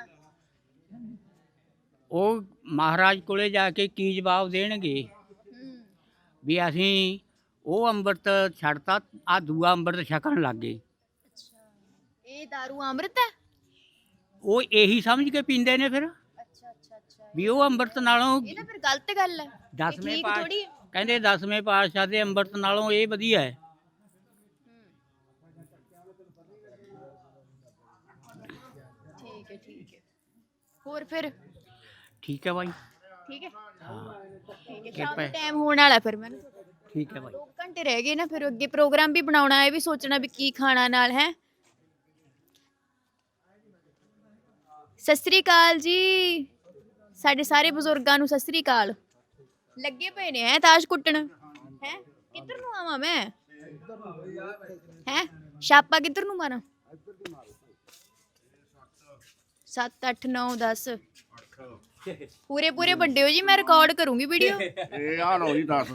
S3: ਉਹ ਮਹਾਰਾਜ ਕੋਲੇ ਜਾ ਕੇ ਕੀ ਜਵਾਬ ਦੇਣਗੇ
S2: ਹੂੰ
S3: ਵੀ ਅਸੀਂ ਉਹ ਅੰਮ੍ਰਿਤ ਛੱਡਤਾ, ਆ ਦੂਆ ਅੰਮ੍ਰਿਤ ਛਕਣ ਲੱਗ ਗਏ।
S2: ਅੱਛਾ ਇਹ ਦਾਰੂ ਅੰਮ੍ਰਿਤ ਹੈ।
S3: ਉਹ ਇਹੀ ਸਮਝ ਕੇ ਪੀਂਦੇ ਨੇ ਫਿਰ
S2: ਅੱਛਾ ਅੱਛਾ ਅੱਛਾ
S3: ਵੀ ਉਹ ਅੰਮ੍ਰਿਤ ਨਾਲੋਂ
S2: ਇਹ ਤਾਂ ਫਿਰ ਗਲਤ ਗੱਲ ਹੈ। ਇਹ
S3: ਦਸਵੇਂ
S2: ਠੀਕ
S3: ਪਾਤਸ਼ਾਹ
S2: ਥੋੜੀ ਹੈ।
S3: ਕਹਿੰਦੇ ਦਸਵੇਂ ਪਾਤਸ਼ਾਹ ਦੇ ਅੰਮ੍ਰਿਤ ਨਾਲੋਂ ਇਹ ਵਧੀਆ ਹੈ।
S2: ਠੀਕ ਹੈ ਠੀਕ ਹੈ। ਹੋਰ ਫਿਰ
S3: ਠੀਕ ਹੈ ਭਾਈ,
S2: ਠੀਕ ਹੈ
S3: ਹਾਂ
S2: ਠੀਕ ਹੈ। ਸ਼ਾਮ
S3: ਕਿਰਪਾ
S2: ਦਾ
S3: ਹੈ।
S2: ਟਾਈਮ ਹੋਣ ਵਾਲਾ ਫਿਰ ਮੈਨੂੰ
S3: ਠੀਕ ਹੈ ਭਾਈ।
S2: ਦੋ ਘੰਟੇ ਰਹਿ ਗਏ ਨਾ, ਫਿਰ ਅੱਗੇ ਪ੍ਰੋਗਰਾਮ ਵੀ ਬਣਾਉਣਾ ਹੈ, ਵੀ ਸੋਚਣਾ ਵੀ ਕੀ ਖਾਣਾ ਨਾਲ ਹੈ। ਸਤਿ ਸ੍ਰੀ ਅਕਾਲ ਜੀ, ਸਾਡੇ ਸਾਰੇ ਬਜ਼ੁਰਗਾਂ ਨੂੰ ਸਤਿ ਸ੍ਰੀ ਅਕਾਲ। ਲੱਗੇ ਪਏ ਨੇ ਹੈ ਤਾਸ਼ ਕੁੱਟਣ। ਹੈ ਕਿੱਧਰ ਨੂੰ ਆਵਾਂ ਮੈਂ? ਹੈ ਛਾਪਾ ਕਿੱਧਰ ਨੂੰ ਮਾਰਾਂ? ਸੱਤ ਅੱਠ ਨੌ ਦਸ ਪੂਰੇ ਪੂਰੇ ਵੱਡੇ ਹੋ ਜੀ, ਮੈਂ ਰਿਕਾਰਡ ਕਰੂੰਗੀ ਵੀਡੀਓ।
S4: ਇਹ ਆ ਲਓ ਜੀ ਦਸ।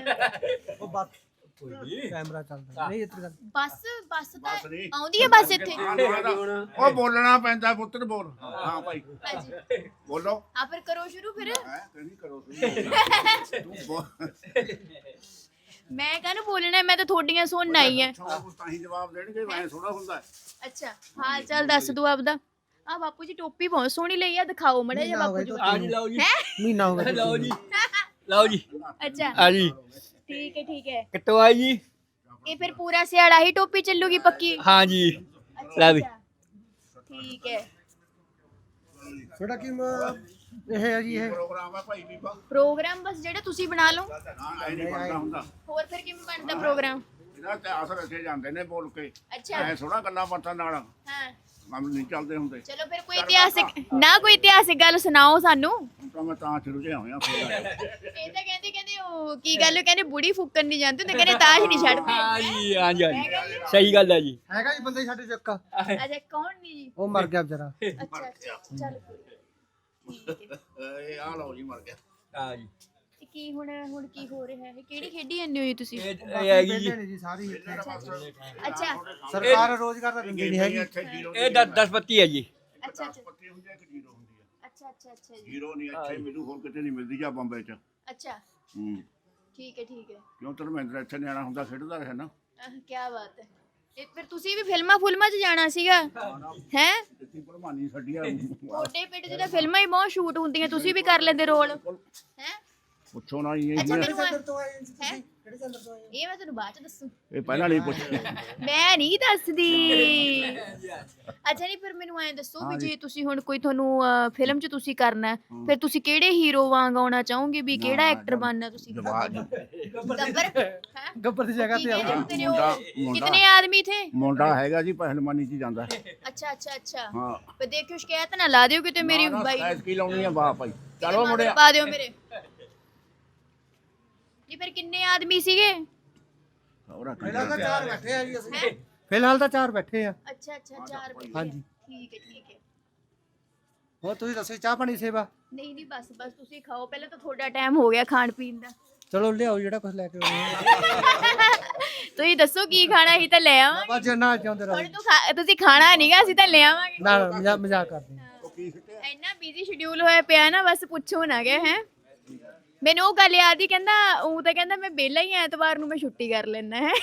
S5: ਕੈਮਰਾ ਚੱਲਦਾ ਨਹੀਂ ਇੱਧਰ ਗੱਲ।
S2: ਬੱਸ ਬੱਸ ਤਾਂ ਆਉਂਦੀ ਹੈ ਬੱਸ ਇੱਥੇ।
S4: ਉਹ ਬੋਲਣਾ ਪੈਂਦਾ ਪੁੱਤਰ, ਬੋਲ। ਹਾਂ ਭਾਈ
S2: ਹਾਂਜੀ
S4: ਬੋਲੋ।
S2: ਆ ਫਿਰ ਕਰੋ ਸ਼ੁਰੂ ਫਿਰ।
S4: ਹੈ ਕਿਹੜੀ ਕਰੋ ਤੁਸੀਂ? ਤੂੰ ਬੋਲ।
S2: ਮੈਂ ਕਾਹਨੂੰ ਬੋਲਣਾ ਹੈ, ਮੈਂ ਤਾਂ ਤੁਹਾਡੀਆਂ ਸੁਣਨ ਆਈ ਐ।
S4: ਕੁਛ ਤਾਂ ਹੀ ਜਵਾਬ ਦੇਣਗੇ, ਮੈਂ ਥੋੜਾ ਹੁੰਦਾ ਹੈ।
S2: ਅੱਛਾ ਹਾਲ ਚਾਲ ਦੱਸ ਦੋ ਆਪਦਾ। ਆ ਬਾਪੂ ਜੀ ਟੋਪੀ ਬਹੁਤ ਸੋਹਣੀ ਲਈ ਆ, ਦਿਖਾਓ ਮੜਾ ਜਿਹਾ ਬਾਪੂ ਜੀ।
S5: ਆ ਜੀ ਲਓ ਜੀ, ਮਹੀਨਾ ਹੋ ਗਿਆ ਲਓ ਜੀ, ਲਓ ਜੀ
S2: ਅੱਛਾ
S5: ਆ ਜੀ
S2: ਠੀਕ ਹੈ ਠੀਕ ਹੈ।
S5: ਕਿੱਟੋ ਆਈ ਜੀ।
S2: ਇਹ ਫਿਰ ਪੂਰਾ ਸਿਆੜਾ ਹੀ ਟੋਪੀ ਚੱਲੂਗੀ ਪੱਕੀ?
S5: ਹਾਂ ਜੀ
S2: ਅੱਛਾ,
S5: ਲੈ ਵੀ।
S2: ਅੱਛਾ। ਠੀਕ ਹੈ।
S5: ਤੁਹਾਡਾ ਕੀ ਇਹ ਹੈ ਜੀ ਇਹ
S4: ਪ੍ਰੋਗਰਾਮ ਹੈ ਭਾਈ ਬੀਬਾ
S2: ਪ੍ਰੋਗਰਾਮ ਬਸ ਜਿਹੜਾ ਤੁਸੀਂ ਬਣਾ ਲਓ
S4: ਹਾਂ ਐ ਨਹੀਂ ਬਣਦਾ ਹੁੰਦਾ
S2: ਹੋਰ ਫਿਰ ਕਿਵੇਂ ਬਣਦਾ ਪ੍ਰੋਗਰਾਮ
S4: ਇਹਦਾ ਇਤਿਹਾਸ ਰੱਖੇ ਜਾਂਦੇ ਨੇ ਬੋਲ ਕੇ
S2: ਅੱਛਾ
S4: ਐ ਥੋੜਾ ਗੱਲਾਂ ਬਾਤਾਂ ਨਾਲ
S2: ਹਾਂ
S4: ਕੰਮ ਨਹੀਂ ਚੱਲਦੇ ਹੁੰਦੇ
S2: ਚਲੋ ਫਿਰ ਕੋਈ ਇਤਿਹਾਸਿਕ ਨਾ ਕੋਈ ਇਤਿਹਾਸਿਕ ਗੱਲ ਸੁਣਾਓ ਸਾਨੂੰ
S4: ਹੁਣ ਤਾਂ ਮੈਂ ਤਾਂ ਸ਼ੁਰੂ ਜਿਹਾ ਹੋਇਆ ਫਿਰ
S2: ਇਹ ਤਾਂ ਕਹਿੰਦੇ ਕਹਿੰਦੇ ਉਹ ਕੀ ਗੱਲ ਕਹਿੰਦੇ ਬੁੜੀ ਫੁੱਕਣ ਨਹੀਂ ਜਾਂਦੇ ਤੇ ਕਹਿੰਦੇ ਤਾਸ਼ ਨਹੀਂ ਛੱਡਦੇ
S5: ਹਾਂਜੀ ਹਾਂਜੀ ਹਾਂਜੀ ਸਹੀ ਗੱਲ ਹੈ ਜੀ ਹੈਗਾ ਜੀ ਬੰਦੇ ਸਾਡੇ ਚੱਕਾ
S2: ਅੱਛਾ ਕੌਣ ਨਹੀਂ ਜੀ
S5: ਉਹ ਮਰ ਗਿਆ ਵਿਚਾਰਾ
S2: ਅੱਛਾ ਅੱਛਾ ਚੱਲ ਠੀਕ ਹੈ
S4: ਇਹ ਆ ਲਓ ਜੀ ਮਰ ਗਿਆ
S5: ਹਾਂ ਜੀ
S2: ਤੇ ਕੀ ਹੁਣ ਹੁਣ ਕੀ ਹੋ ਰਿਹਾ ਹੈ ਕਿਹੜੀ ਖੇਡੀ ਜਾਂਦੇ ਹੋ ਜੀ ਤੁਸੀਂ
S5: ਇਹ ਹੈਗੀ ਜੀ ਜੀ ਸਾਰੀ ਇੱਥੇ।
S2: ਅੱਛਾ
S5: ਸਰਕਾਰ ਰੋਜ਼ਗਾਰ ਤਾਂ ਦਿੰਦੀ ਨਹੀਂ ਹੈਗੀ
S4: ਇੱਥੇ ਜ਼ੀਰੋ
S5: ਇਹ ਦਸ ਪੱਤੀ ਹੈ ਜੀ
S2: ਅੱਛਾ ਅੱਛਾ
S4: ਪੱਤੀ ਹੁੰਦੀ ਹੈ ਕਿ ਜ਼ੀਰੋ ਹੁੰਦੀ ਹੈ
S2: ਅੱਛਾ ਅੱਛਾ ਅੱਛਾ ਜੀ
S4: ਜ਼ੀਰੋ ਨਹੀਂ ਇੱਥੇ ਮਿਲੂ ਹੋਰ ਕਿਤੇ ਨਹੀਂ ਮਿਲਦੀ ਜਾਂ ਬੰਬੇ ਚ
S2: ਅੱਛਾ
S4: ਹੂੰ
S2: ਠੀਕ ਹੈ ਠੀਕ ਹੈ
S4: ਕਿਉਂ ਧਰਮਿੰਦਰ ਇੱਥੇ ਨਿਆਣਾ ਹੁੰਦਾ ਖੇਡਦਾ ਰਿਹਾ ਨਾ
S2: ਕੀ ਬਾਤ ਹੈ ਤੇ ਫਿਰ ਤੁਸੀਂ ਵੀ ਫਿਲਮਾਂ ਫੁਲਮਾਂ 'ਚ ਜਾਣਾ ਸੀਗਾ ਹੈ
S4: ਇੱਥੇ ਭਲਮਾਨੀ ਛੱਡੀ ਆ
S2: ਤੁਹਾਡੇ ਪਿੰਡ 'ਚ ਤਾਂ ਫਿਲਮਾਂ ਹੀ ਬਹੁਤ ਸ਼ੂਟ ਹੁੰਦੀਆਂ ਤੁਸੀਂ ਵੀ ਕਰ ਲੈਂਦੇ ਰੋਲ ਹੈ
S4: ਪੁੱਛੋ ਨਾ ਜੀ
S2: ਅੱਛਾ
S4: ਇਹ
S2: ਮੈਨੂੰ
S5: ਸੈਂਟਰ ਤੋਂ ਆਏ ਜੀ
S2: ਹੈ
S5: ਕਿਹੜੇ ਸੈਂਟਰ ਤੋਂ ਆਏ
S2: ਇਹ ਮੈਂ ਤੁਹਾਨੂੰ ਬਾਅਦ 'ਚ ਦੱਸੂ
S4: ਇਹ ਪਹਿਲਾਂ ਨਹੀਂ ਪੁੱਛ
S2: ਮੈਂ ਨਹੀਂ ਦੱਸਦੀ ਅੱਛਾ ਨਹੀਂ ਫਿਰ ਮੈਨੂੰ ਐਂ ਦੱਸੋ ਵੀ ਜੇ ਤੁਸੀਂ ਹੁਣ ਕੋਈ ਤੁਹਾਨੂੰ ਫਿਲਮ 'ਚ ਤੁਸੀਂ ਕਰਨਾ ਹੈ, ਫਿਰ ਤੁਸੀਂ ਕਿਹੜੇ ਹੀਰੋ ਵਾਂਗ ਆਉਣਾ ਚਾਹੋਗੇ ਵੀ ਕਿਹੜਾ ਐਕਟਰ ਬਣਨਾ ਤੁਸੀਂ
S4: ਜਵਾਬ
S2: ਗੱਬਰ ਹੈ
S5: ਗੱਬਰ ਦੀ ਜਗ੍ਹਾ ਤੇ ਆਉਂਦਾ
S4: ਮੁੰਡਾ ਮੁੰਡਾ
S2: ਕਿਤਨੇ ਆਦਮੀ ਥੇ
S4: ਮੁੰਡਾ ਹੈਗਾ ਜੀ ਪਹਿਲਵਾਨੀ ਚ ਜਾਂਦਾ
S2: ਅੱਛਾ ਅੱਛਾ ਅੱਛਾ
S4: ਹਾਂ
S2: ਪਰ ਦੇਖਿਓ ਸ਼ਿਕਾਇਤ ਨਾ ਲਾ ਦਿਓ ਕਿਤੇ ਮੇਰੀ ਬਾਈ
S4: ਐਸ ਕੀ ਲਾਉਣੀ ਆ ਬਾਪ ਭਾਈ ਚਲੋ ਮੁੰਡਿਆ
S2: ਪਾ ਦਿਓ ਮੇਰੇ ਜੀ ਫਿਰ ਕਿੰਨੇ ਆਦਮੀ ਸੀਗੇ
S4: ਹੋਰ ਕੀ
S5: ਫਿਲਹਾਲ ਤਾਂ ਚਾਰ ਬੈਠੇ ਆ ਜੀ
S2: ਹੈਂ?
S5: ਅਸੀਂ ਫਿਲਹਾਲ ਤਾਂ ਚਾਰ ਬੈਠੇ ਆ
S2: ਅੱਛਾ ਅੱਛਾ ਚਾਰ ਬੰਦੇ
S5: ਹਾਂਜੀ।
S2: ਠੀਕ ਹੈ ਠੀਕ ਹੈ
S5: ਹੋਰ ਤੁਸੀਂ ਦੱਸੋ ਚਾਹ ਪਾਣੀ ਸੇਵਾ
S2: ਨਹੀਂ ਨਹੀਂ ਬਸ ਬਸ ਤੁਸੀਂ ਖਾਓ ਪਹਿਲਾਂ ਤਾਂ ਤੁਹਾਡਾ ਟਾਈਮ ਹੋ ਗਿਆ ਖਾਣ ਪੀਣ ਦਾ
S5: ਚਲੋ ਲਿਆਓ ਜਿਹੜਾ ਕੁਝ ਲੈ ਕੇ ਆਉਣਾ
S2: ਤੁਸੀਂ ਦੱਸੋ ਕੀ ਖਾਣਾ ਅਸੀਂ ਤਾਂ ਲੈ ਆਵਾਂਗੇ
S5: ਬਾਬਾ ਜੀ ਨਾ ਚਾਹੁੰਦੇ ਰਹੋ
S2: ਹੁਣ ਤੂੰ ਖਾ- ਤੁਸੀਂ ਖਾਣਾ ਨਹੀਂਗਾ ਅਸੀਂ ਤਾਂ ਲੈ ਆਵਾਂਗੇ
S5: ਨਾ ਮਜ਼ਾਕ ਮਜ਼ਾਕ ਕਰਦੇ ਹਾਂ।
S2: ਇੰਨਾ ਬਿਜ਼ੀ ਸ਼ਡਿਊਲ ਹੋਇਆ ਪਿਆ ਨਾ ਬਸ ਪੁੱਛੋ ਨਾ ਗਏ ਹੈ ਮੈਨੂੰ ਉਹ ਗੱਲ ਯਾਦ ਹੀ ਕਹਿੰਦਾ ਉਹ ਤਾਂ ਕਹਿੰਦਾ ਮੈਂ ਵਿਹਲਾ ਹੀ ਆ, ਐਤਵਾਰ ਨੂੰ ਮੈਂ ਛੁੱਟੀ ਕਰ ਲੈਣਾ ਹੈ